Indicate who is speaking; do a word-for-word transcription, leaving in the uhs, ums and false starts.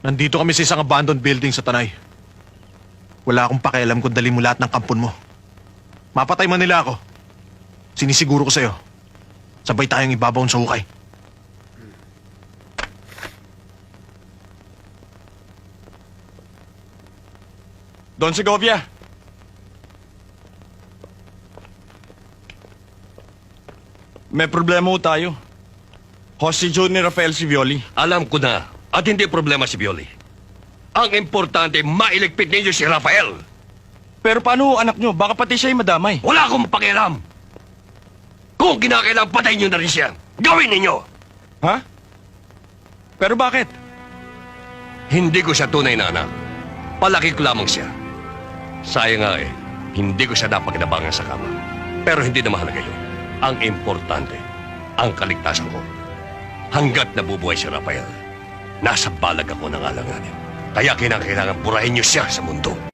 Speaker 1: Nandito kami sa isang abandoned building sa Tanay. Wala akong pakialam kung dali mo lahat ng kampon mo. Mapatay man nila ako. Sinisiguro ko sa'yo. Sabay tayong ibabaon sa hukay.
Speaker 2: Don Segovia! May problema ho tayo. Hostage ni Rafael Sivioli.
Speaker 3: Alam ko na, at hindi problema si Violi. Ang importante, mailigpit ninyo si Rafael.
Speaker 2: Pero paano ho anak nyo? Baka pati siya'y madamay.
Speaker 3: Wala akong pakialam. Kung kinakailangan, patayin nyo na rin siya. Gawin ninyo!
Speaker 2: Ha? Pero bakit?
Speaker 3: Hindi ko siya tunay na anak. Palaki ko lamang siya. Sayang nga eh, hindi ko siya napakinabangan sa kama. Pero hindi na mahalaga yun. Ang importante, ang kaligtasan ko. Hanggat nabubuhay si Rafael, nasa balag ako ng alanganin. Kaya kinakailangan burahin niyo siya sa mundo.